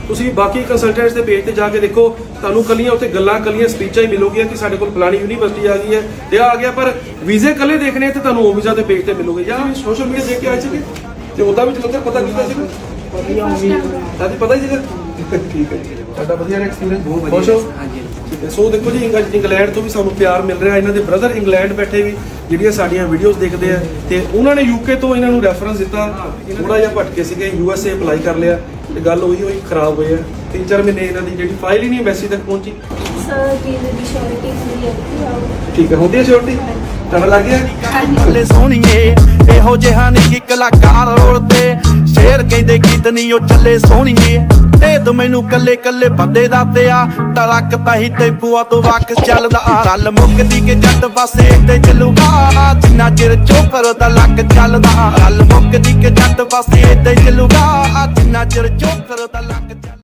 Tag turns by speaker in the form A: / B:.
A: ਤੁਸੀਂ ਬਾਕੀ ਕੰਸਲਟੈਂਟਸ ਦੇ ਪੇਜ ਤੇ ਜਾ ਕੇ ਦੇਖੋ, ਤੁਹਾਨੂੰ ਕੱਲੀਆਂ ਉੱਥੇ ਗੱਲਾਂ ਕੱਲੀਆਂ ਸਪੀਚਾਂ ਹੀ ਮਿਲੂਗੀਆਂ ਕਿ ਸਾਡੇ ਕੋਲ ਫਲਾਣੀ ਯੂਨੀਵਰਸਿਟੀ ਆ ਗਈ ਹੈ ਤੇ ਆ ਗਿਆ, ਪਰ ਵੀਜ਼ੇ ਕੱਲੇ ਦੇਖਣੇ ਤੇ ਤੁਹਾਨੂੰ ਉਹ ਵੀਜ਼ਾ ਦੇ ਪੇਜ ਤੇ ਮਿਲੂਗੇ। ਜਾਂ ਸੋਸ਼ਲ ਮੀਡੀਆ ਦੇਖ ਕੇ ਆਏ ਸੀਗੇ ਤੇ ਉਹਦਾ ਵੀ ਜਲੰਧਰ ਪਤਾ ਕੀਤਾ ਸੀਗਾ, ਪਤਾ ਹੀ ਸੀਗਾ। ਠੀਕ ਹੈ ਜੀ, ਤੁਹਾਡਾ ਵਧੀਆ ਐਕਸਪੀਰੀਅੰਸ, ਬਹੁਤ ਵਧੀਆ। ਖੁਸ਼ ਹੋ? ਹਾਂਜੀ। ਠੀਕ ਹੈ। ਸੋ ਦੇਖੋ ਜੀ, ਇੰਗਲੈਂਡ ਤੋਂ ਵੀ ਸਾਨੂੰ ਪਿਆਰ ਮਿਲ ਰਿਹਾ। ਇਹਨਾਂ ਦੇ ਬ੍ਰਦਰ ਇੰਗਲੈਂਡ ਬੈਠੇ ਵੀ ਜਿਹੜੀਆਂ ਸਾਡੀਆਂ ਵੀਡੀਓਜ਼ ਦੇਖਦੇ ਆ, ਤੇ ਉਹਨਾਂ ਨੇ ਯੂਕੇ ਤੋਂ ਇਹਨਾਂ ਨੂੰ ਰੈਫਰੈਂਸ ਦਿੱਤਾ। ਥੋੜਾ ਜਿਹਾ ਭਟਕੇ ਸੀਗੇ, USA ਅਪਲਾਈ ਕਰ ਲਿਆ ਤੇ ਗੱਲ ਉਹੀ ਖਰਾਬ ਹੋਈ ਹੈ। 3-4 ਮਹੀਨੇ ਇਹਨਾਂ ਦੀ ਜਿਹੜੀ ਫਾਈਲ ਹੀ ਨਹੀਂ ਐਮਬੈਸੀ ਤੱਕ ਪਹੁੰਚੀ।
B: ਸਰ ਵੀਜ਼ੇ ਦੀ ਸ਼ੋਰਟੀ ਹੁੰਦੀ ਹੈ।
A: ਠੀਕ ਹੈ, ਹੁੰਦੀ ਹੈ ਸ਼ੋਰਟੀ, ਤੁਹਾਡਾ ਲੱਗ ਗਿਆ?
C: ਹੱਲੇ ਸੋਹਣੀਏ ਇਹੋ ਜਿਹਾ ਨਹੀਂ ਕਿ ਕਲਾਕਾਰ ਰੋਲਦੇ, ਸ਼ੇਰ ਕਹਿੰਦੇ ਗੀਤ ਨਹੀਂ ਉਹ ਚੱਲੇ ਸੋਹਣੀਏ। ਤੇ ਤੂੰ ਮੈਨੂੰ ਕੱਲੇ ਕੱਲੇ ਬੰਦੇ ਦਾ ਪਿਆ ਟਰੱਕ ਤਾਹੀ ਤੇ ਬੂਆ ਤੋਂ ਵੱਖ ਚੱਲਦਾ। ਰਲ ਮੁੱਕਦੀ ਕੇ ਜੱਟ ਪਾਸੇ ਤੇ ਚੱਲੂਗਾ ਜਿੰਨਾ ਚਿਰ ਚੋਕਰ ਦਾ ਲੱਕ ਚੱਲਦਾ। ਰਲ ਮੁੱਕਦੀ ਕੇ ਜੱਟ ਪਾਸੇ ਤੇ ਚੱਲੂਗਾ ਜਿੰਨਾ ਚਿਰ ਚੋਕਰ ਦਾ ਲੱਕ ਚੱਲਦਾ।